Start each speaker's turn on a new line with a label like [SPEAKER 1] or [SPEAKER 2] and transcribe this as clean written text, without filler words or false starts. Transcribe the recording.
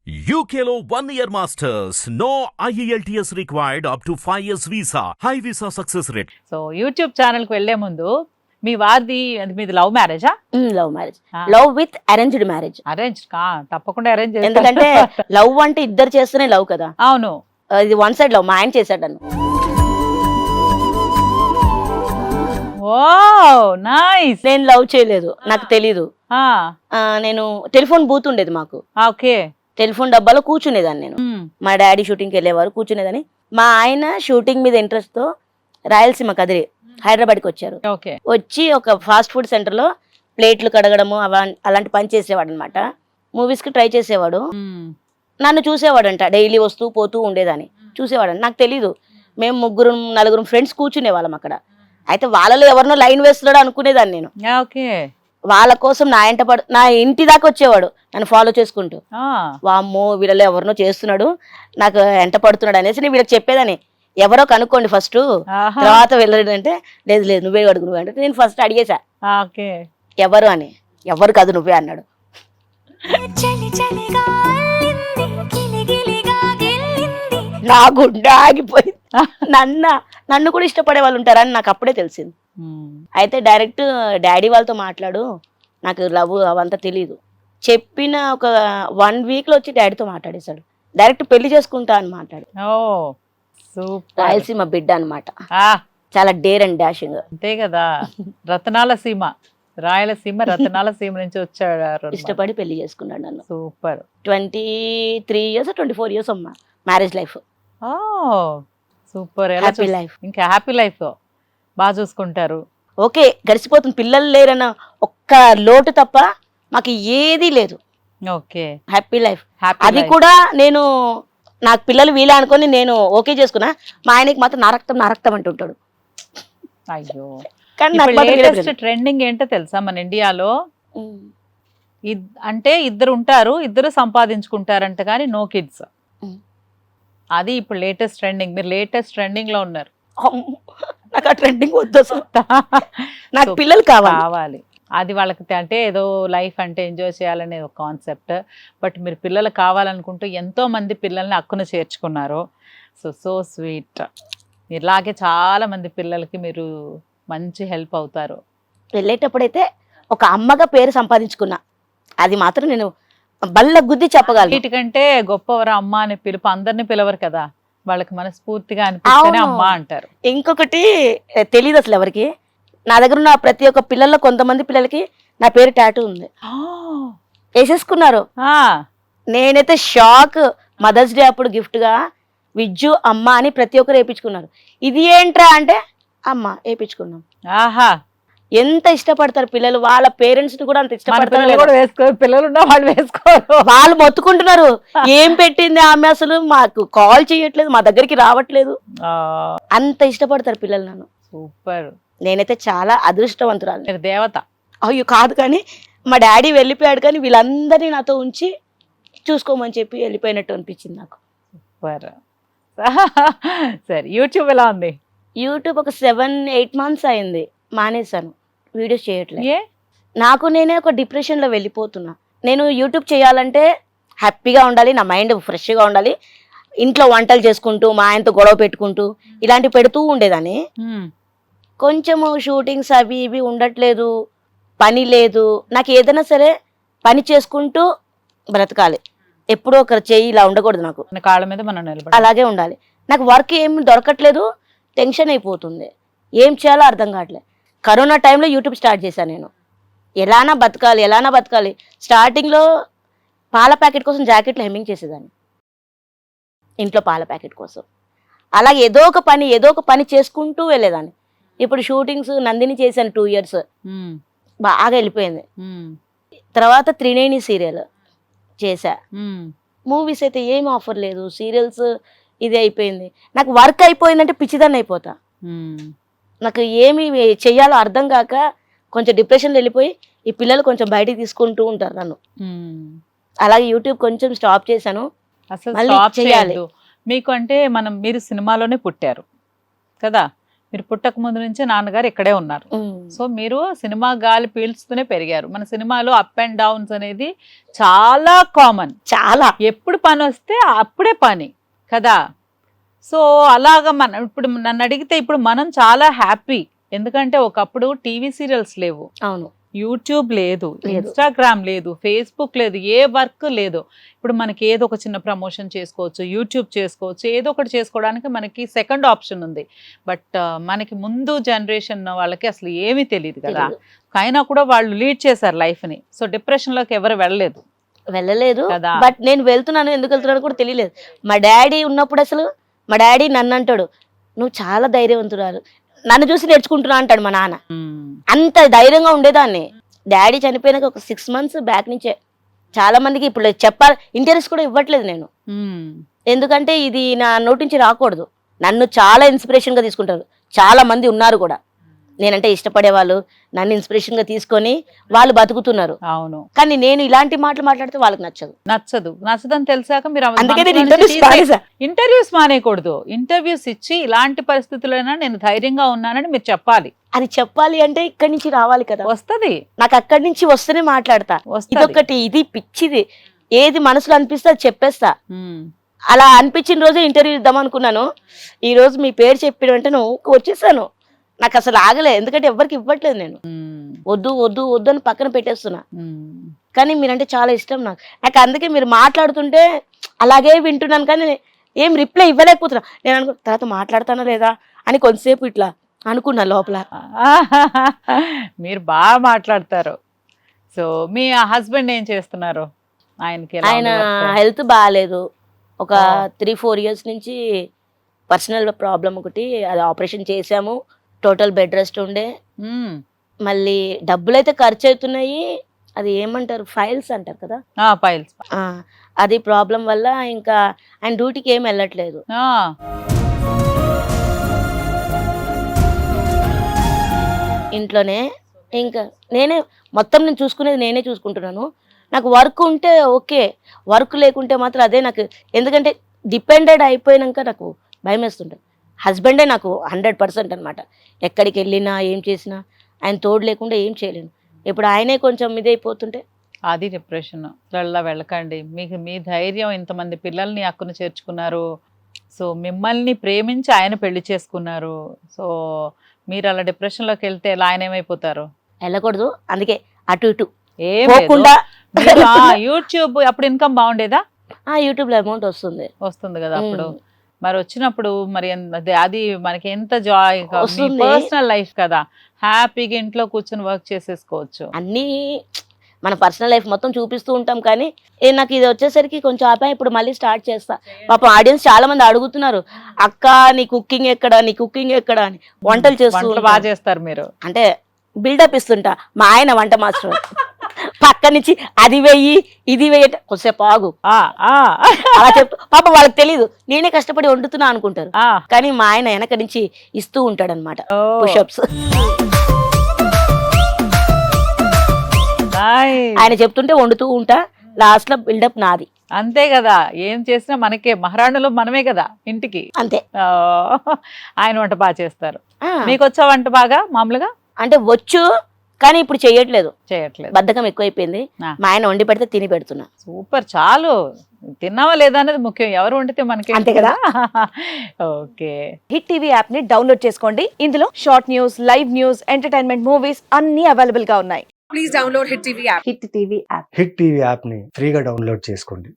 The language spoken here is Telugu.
[SPEAKER 1] UKLO 1 year masters. No IELTS required up to 5 years visa. High visa success rate.
[SPEAKER 2] So YouTube channel కి వెళ్లే ముందు మీ వారిది మీది లవ్ మ్యారేజా?
[SPEAKER 3] Love marriage, love with arranged marriage.
[SPEAKER 2] Arrange తప్పకుండా అరేంజ్
[SPEAKER 3] ఎందుకంటే లవ్ అంటే ఇద్దరు చేస్తేనే లవ్ కదా.
[SPEAKER 2] అవును,
[SPEAKER 3] ఇది వన్ సైడ్ లవ్. మా ఆయన చేశాడు నన్ను.
[SPEAKER 2] ఓ నైస్.
[SPEAKER 3] నేను లవ్ చేయలేదు, నాకు తెలీదు. నేను టెలిఫోన్ బూత్ ఉండేది మాకు.
[SPEAKER 2] ఓకే.
[SPEAKER 3] టెలిఫోన్ డబ్బాలో కూర్చునేదాన్ని నేను. మా డాడీ షూటింగ్కి వెళ్ళేవారు, కూర్చునేదాన్ని. మా ఆయన షూటింగ్ మీద ఇంట్రెస్ట్ తో రాయలసీమ కదిరి హైదరాబాద్కి వచ్చారు. వచ్చి ఒక ఫాస్ట్ ఫుడ్ సెంటర్ లో ప్లేట్లు కడగడము అలాంటి పని చేసేవాడు అనమాట. మూవీస్ కి ట్రై చేసేవాడు. నన్ను చూసేవాడంట, డైలీ వస్తూ పోతూ ఉండేదాన్ని చూసేవాడంట. నాకు తెలీదు. మేము ముగ్గురు నలుగురు ఫ్రెండ్స్ కూర్చునే వాళ్ళం అక్కడ. అయితే వాళ్ళలో ఎవరినో లైన్ వేస్తున్నాడు అనుకునేదాన్ని నేను. వాళ్ళ కోసం నా ఇంటి దాకా వచ్చేవాడు నన్ను ఫాలో చేసుకుంటూ. వామ్మో వీళ్ళలో ఎవరినో చేస్తున్నాడు, నాకు ఎంట పడుతున్నాడు అనేసి నేను వీళ్ళకి చెప్పేదాన్ని. ఎవరో కనుక్కోండి ఫస్ట్, తర్వాత వెళ్ళాడంటే లేదు లేదు నువ్వే అడుగు నువ్వే అంటే నేను ఫస్ట్ అడిగేశా ఎవరు అని. ఎవరు కాదు నువ్వే అన్నాడు. నా గుండె ఆగిపోయింది. నన్ను కూడా ఇష్టపడే వాళ్ళు ఉంటారని నాకు అప్పుడే తెలిసింది. అయితే డైరెక్ట్ డాడీ వాళ్ళతో మాట్లాడు, నాకు లవ్ అవంతా తెలీదు చెప్పిన ఒక 1 week లో వచ్చి డాడీతో మాట్లాడేశాడు. డైరెక్ట్ పెళ్లి చేసుకుంటా అని మాట్లాడు. రాయలసీమ బిడ్డ అనమాట, చాలా డేర్ అండ్ డాషింగ్.
[SPEAKER 2] అంతే కదా, రతనాల సీమ, రాయలసీమ రతనాల సీమ నుంచి వచ్చాడు.
[SPEAKER 3] ఇష్టపడి పెళ్లి చేసుకున్నాడు నన్ను.
[SPEAKER 2] సూపర్.
[SPEAKER 3] 23 years 24 years అమ్మా marriage life.
[SPEAKER 2] Super.
[SPEAKER 3] Happy life.
[SPEAKER 2] ఇంకా హ్యాపీ లైఫ్ బాగా చూసుకుంటారు.
[SPEAKER 3] ఓకే, గడిచిపోతుంది. పిల్లలు లేరన్న ఒక్క లోటు తప్ప మాకు ఏదీ లేదు.
[SPEAKER 2] Okay,
[SPEAKER 3] happy life. అది కూడా నేను నాకు పిల్లలు వీలే అనుకొని నేను ఓకే చేసుకున్నా. మా ఆయనకి మాత్రం నా రక్తం అంటుంటాడు.
[SPEAKER 2] అయ్యో,
[SPEAKER 3] కానీ
[SPEAKER 2] ట్రెండింగ్ ఏంటో తెలుసా మన ఇండియాలో? అంటే ఇద్దరు ఉంటారు, ఇద్దరు సంపాదించుకుంటారంట కానీ నో కిడ్స్. అది ఇప్పుడు లేటెస్ట్ ట్రెండింగ్. మీరు లేటెస్ట్ ట్రెండింగ్ లో ఉన్నారు.
[SPEAKER 3] నాకు ఆ ట్రెండింగ్ వద్దు, నాకు పిల్లలు కావాలి.
[SPEAKER 2] అది వాళ్ళకి అంటే ఏదో లైఫ్ అంటే ఎంజాయ్ చేయాలనే ఒక కాన్సెప్ట్. బట్ మీరు పిల్లలు కావాలనుకుంటూ ఎంతో మంది పిల్లల్ని హక్కున చేర్చుకున్నారు. So sweet. ఇలాగే చాలా మంది పిల్లలకి మీరు మంచి హెల్ప్ అవుతారు.
[SPEAKER 3] వెళ్ళేటప్పుడైతే ఒక అమ్మగా పేరు సంపాదించుకున్నా, అది మాత్రం నేను బల్ల గుద్ది చెప్పగలను.
[SPEAKER 2] వీటికంటే గొప్పవరా అమ్మ అని పిలుపు అందరినీ పిలవరు కదా, వాళ్ళకి మనస్ఫూర్తిగా అనిపిస్తేనే అమ్మ అంటారు.
[SPEAKER 3] ఇంకొకటి తెలియదు అసలు ఎవరికి, నా దగ్గర ఉన్న ప్రతి ఒక్క పిల్లల్లో కొంతమంది పిల్లలకి నా పేరు టాటూ ఉంది, వేసేసుకున్నారు. నేనైతే షాక్. మదర్స్ డే అప్పుడు గిఫ్ట్ గా విజ్జు అమ్మ అని ప్రతి ఒక్కరు వేయించుకున్నారు. ఇది ఏంట్రా అంటే అమ్మ వేయించుకున్నాం.
[SPEAKER 2] ఆహా,
[SPEAKER 3] ఎంత ఇష్టపడతారు పిల్లలు, వాళ్ళ పేరెంట్స్ ని కూడా అంత
[SPEAKER 2] ఇష్టపడతారు. పిల్లలు ఉన్న వాళ్ళు వేసుకోరు,
[SPEAKER 3] వాళ్ళు మొత్తుకుంటున్నారు. ఏం పెట్టింది ఆమె, అసలు మాకు కాల్ చేయట్లేదు, మా దగ్గరికి రావట్లేదు. అంత ఇష్టపడతారు పిల్లలు నన్ను.
[SPEAKER 2] సూపర్.
[SPEAKER 3] నేనైతే చాలా అదృష్టవంతురాలు.
[SPEAKER 2] దేవత.
[SPEAKER 3] అయ్యో కాదు, కానీ మా డాడీ వెళ్ళిపోయాడు కానీ వీళ్ళందరినీ నాతో ఉంచి చూసుకోమని చెప్పి వెళ్ళిపోయినట్టు అనిపించింది నాకు.
[SPEAKER 2] సూపర్. సరే, యూట్యూబ్ ఎలా ఉంది?
[SPEAKER 3] యూట్యూబ్ ఒక 7-8 months అయింది, మానేశాను. వీడియోస్ చేయట్లేదు. నాకు నేనే ఒక డిప్రెషన్లో వెళ్ళిపోతున్నా. నేను యూట్యూబ్ చేయాలంటే హ్యాపీగా ఉండాలి, నా మైండ్ ఫ్రెష్గా ఉండాలి. ఇంట్లో వంటలు చేసుకుంటూ మా ఆయనతో గొడవ పెట్టుకుంటూ ఇలాంటివి పెడుతూ ఉండేదాన్ని. కొంచెము షూటింగ్స్ అవి ఇవి ఉండట్లేదు, పని లేదు. నాకు ఏదైనా సరే పని చేసుకుంటూ బ్రతకాలి, ఎప్పుడో ఒకరు చేయి ఇలా ఉండకూడదు. నాకు
[SPEAKER 2] కాళ్ళ మీద మనం నిలబడాలి,
[SPEAKER 3] అలాగే ఉండాలి. నాకు వర్క్ ఏం దొరకట్లేదు, టెన్షన్ అయిపోతుంది, ఏం చేయాలో అర్థం కావట్లేదు. కరోనా టైంలో యూట్యూబ్ స్టార్ట్ చేశాను నేను. ఎలానా బతకాలి. స్టార్టింగ్లో పాల ప్యాకెట్ కోసం జాకెట్లు హెమ్మింగ్ చేసేదాన్ని ఇంట్లో, పాల ప్యాకెట్ కోసం. అలాగే ఏదో ఒక పని చేసుకుంటూ వెళ్ళేదాన్ని. ఇప్పుడు షూటింగ్స్ నందిని చేశాను 2 years, బాగా వెళ్ళిపోయింది. తర్వాత 390 సీరియల్ చేశా. మూవీస్ అయితే ఏం ఆఫర్ లేదు, సీరియల్స్ ఇది అయిపోయింది. నాకు వర్క్ అయిపోయిందంటే పిచ్చిదాన్ని అయిపోతా. నాకు ఏమి చెయ్యాలో అర్థం కాక కొంచెం డిప్రెషన్లో వెళ్ళిపోయి ఈ పిల్లలు కొంచెం బయటికి తీసుకుంటూ ఉంటారు నన్ను. అలాగే యూట్యూబ్ కొంచెం స్టాప్ చేశాను.
[SPEAKER 2] అసలు స్టాప్ చేయాలి మీకు అంటే మీరు సినిమాలోనే పుట్టారు కదా, మీరు పుట్టక ముందు నుంచే నాన్నగారు ఇక్కడే ఉన్నారు. సో మీరు సినిమా గాలి పీల్చుతూనే పెరిగారు. మన సినిమాలో అప్ అండ్ డౌన్స్ అనేది చాలా కామన్.
[SPEAKER 3] చాలా
[SPEAKER 2] ఎప్పుడు పని వస్తే అప్పుడే పని కదా. సో అలాగా ఇప్పుడు నన్ను అడిగితే ఇప్పుడు మనం చాలా హ్యాపీ. ఎందుకంటే ఒకప్పుడు టీవీ సీరియల్స్ లేవు,
[SPEAKER 3] అవును,
[SPEAKER 2] యూట్యూబ్ లేదు, ఇన్స్టాగ్రామ్ లేదు, ఫేస్బుక్ లేదు, ఏ వర్క్ లేదు. ఇప్పుడు మనకి ఏదో ఒక చిన్న ప్రమోషన్ చేసుకోవచ్చు, యూట్యూబ్ చేసుకోవచ్చు, ఏదో ఒకటి చేసుకోవడానికి మనకి సెకండ్ ఆప్షన్ ఉంది. బట్ మనకి ముందు జనరేషన్ వాళ్ళకి అసలు ఏమీ తెలియదు కదా. అయినా కూడా వాళ్ళు లీడ్ చేశారు లైఫ్ని. సో డిప్రెషన్లోకి ఎవరు
[SPEAKER 3] వెళ్ళలేదు
[SPEAKER 2] కదా.
[SPEAKER 3] బట్ నేను వెళ్తున్నాను, ఎందుకు వెళ్తున్నాను కూడా తెలియలేదు. మా డాడీ ఉన్నప్పుడు అసలు మా డాడీ నన్ను అంటాడు, నువ్వు చాలా ధైర్యవంతురాలు, నన్ను చూసి నేర్చుకుంటున్నా అంటాడు మా నాన్న. అంత ధైర్యంగా ఉండేదాన్ని. డాడీ చనిపోయినాక ఒక 6 months బ్యాక్ నుంచే చాలా మందికి ఇప్పుడు చెప్పాలి ఇంటర్వ్యూస్ కూడా ఇవ్వట్లేదు నేను. ఎందుకంటే ఇది నా నోటి నుంచి రాకూడదు. నన్ను చాలా ఇన్స్పిరేషన్ గా తీసుకుంటారు, చాలా మంది ఉన్నారు కూడా నేనంటే ఇష్టపడే వాళ్ళు, నన్ను ఇన్స్పిరేషన్ గా తీసుకొని వాళ్ళు బతుకుతున్నారు.
[SPEAKER 2] అవును,
[SPEAKER 3] కానీ నేను ఇలాంటి మాటలు మాట్లాడితే వాళ్ళకి
[SPEAKER 2] నచ్చదని తెలిసాక మీరు
[SPEAKER 3] అందుకే
[SPEAKER 2] ఇంటర్వ్యూస్ మానేయకూడదు. ఇంటర్వ్యూస్ ఇచ్చి ఇలాంటి పరిస్థితులైనా నేను ధైర్యంగా ఉన్నానని మీరు చెప్పాలి.
[SPEAKER 3] అది చెప్పాలి అంటే ఇక్కడి నుంచి రావాలి కదా.
[SPEAKER 2] వస్తది,
[SPEAKER 3] నాకు అక్కడి నుంచి వస్తేనే మాట్లాడతా. ఇదొకటి, ఇది పిచ్చిది, ఏది మనసులో అనిపిస్తే అది చెప్పేస్తా. అలా అనిపించిన రోజే ఇంటర్వ్యూ ఇద్దాం అనుకున్నాను. ఈ రోజు మీ పేరు చెప్పిన వెంటనే వచ్చేసాను. నాకు అసలు ఆగలే, ఎందుకంటే ఎవరికి ఇవ్వట్లేదు నేను. వద్దు వద్దు వద్దు అని పక్కన పెట్టేస్తున్నా. కానీ మీరంటే చాలా ఇష్టం నాకు అందుకే మీరు మాట్లాడుతుంటే అలాగే వింటున్నాను, కానీ ఏం రిప్లై ఇవ్వలేకపోతున్నా. నేను అనుకో తర్వాత మాట్లాడతానా లేదా అని కొంతసేపు ఇట్లా అనుకున్నా లోపల.
[SPEAKER 2] మీరు బాగా మాట్లాడతారు. సో మీ హస్బెండ్ ఏం చేస్తున్నారు? ఆయన
[SPEAKER 3] హెల్త్ బాగాలేదు. ఒక 3-4 years నుంచి పర్సనల్ ప్రాబ్లం ఒకటి, అది ఆపరేషన్ చేసాము. టోటల్ బెడ్ రెస్ట్ ఉండే. మళ్ళీ డబ్బులు అయితే ఖర్చు అవుతున్నాయి. అది ఏమంటారు, ఫైల్స్ అంటారు కదా,
[SPEAKER 2] ఫైల్స్.
[SPEAKER 3] అది ప్రాబ్లం వల్ల ఇంకా ఆయన డ్యూటీకి ఏం వెళ్ళట్లేదు. ఇంట్లోనే ఇంకా నేనే మొత్తం నేను చూసుకునేది, నేనే చూసుకుంటున్నాను. నాకు వర్క్ ఉంటే ఓకే, వర్క్ లేకుంటే మాత్రం అదే నాకు. ఎందుకంటే డిపెండెడ్ అయిపోయినాక నాకు భయం వేస్తుంటుంది. హస్బెండే నాకు 100% అనమాట. ఎక్కడికి వెళ్ళినా ఏం చేసినా ఆయన తోడు లేకుండా ఏం చేయలేను. ఇప్పుడు ఆయనే కొంచెం ఇదైపోతుంటే
[SPEAKER 2] అది డిప్రెషన్. అలా వెళ్ళకండి. మీకు మీ ధైర్యం, ఇంతమంది పిల్లల్ని అక్కును చేర్చుకున్నారు. సో మిమ్మల్ని ప్రేమించి ఆయన పెళ్లి చేసుకున్నారు. సో మీరు అలా డిప్రెషన్లోకి వెళ్తే ఆయన ఏమైపోతారు?
[SPEAKER 3] వెళ్ళకూడదు. అందుకే అటు ఇటు
[SPEAKER 2] ఏమకుండా యూట్యూబ్ అప్పుడు ఇన్కమ్ బాగుండేదా?
[SPEAKER 3] యూట్యూబ్ లో అమౌంట్ వస్తుంది
[SPEAKER 2] కదా అప్పుడు. మరి వచ్చినప్పుడు మరి అది మనకి ఎంత జాయ్, పర్సనల్ లైఫ్ కదా, హ్యాపీగా ఇంట్లో కూర్చొని వర్క్ చేసేసుకోవచ్చు.
[SPEAKER 3] అన్నీ మన పర్సనల్ లైఫ్ మొత్తం చూపిస్తూ ఉంటాం. కానీ నాకు ఇది వచ్చేసరికి కొంచెం ఆపా. ఇప్పుడు మళ్ళీ స్టార్ట్ చేస్తా. పాపం ఆడియన్స్ చాలా మంది అడుగుతున్నారు, అక్క నీ కుకింగ్ ఎక్కడ, నీ కుకింగ్ ఎక్కడ అని. వంటలు
[SPEAKER 2] బాగా చేస్తారు మీరు
[SPEAKER 3] అంటే బిల్డప్ ఇస్తుంటా. మా ఆయన వంట మాస్టర్ పక్క నుంచి అది వెయ్యి ఇది వెయ్యి కొద్దిసేపు ఆగు అలా చెప్తూ, పాప వాళ్ళకి తెలీదు నేనే కష్టపడి వండుతున్నా అనుకుంటారు. కానీ మా ఆయన వెనక నుంచి ఇస్తూ ఉంటాడు అనమాట పుషప్స్. ఆయన చెప్తుంటే వండుతూ ఉంటా, లాస్ట్ లో బిల్డప్ నాది.
[SPEAKER 2] అంతే కదా, ఏం చేసినా మనకే, మహారాణులు మనమే కదా ఇంటికి.
[SPEAKER 3] అంతే.
[SPEAKER 2] ఆయన వంట బాగా చేస్తారు. మీకు వచ్చా వంట బాగా? మామూలుగా
[SPEAKER 3] అంటే వచ్చు, కానీ ఇప్పుడు చేయట్లేదు. బద్ధకం ఎక్కువైపోయింది. మా ఆయన వండి పెడితే తిని పెడుతున్నా.
[SPEAKER 2] సూపర్, చాలు. తిన్నావా లేదా అనేది ముఖ్యం, ఎవరు వండితే మనకి.
[SPEAKER 3] అంతే కదా.
[SPEAKER 2] ఓకే.
[SPEAKER 4] హిట్ టీవీ యాప్ ని డౌన్లోడ్ చేసుకోండి. ఇందులో short news, live news, entertainment movies అన్ని అవైలబుల్ గా ఉన్నాయి. Please download hit TV app.
[SPEAKER 5] Hit TV app ని ఫ్రీగా డౌన్లోడ్ చేసుకోండి.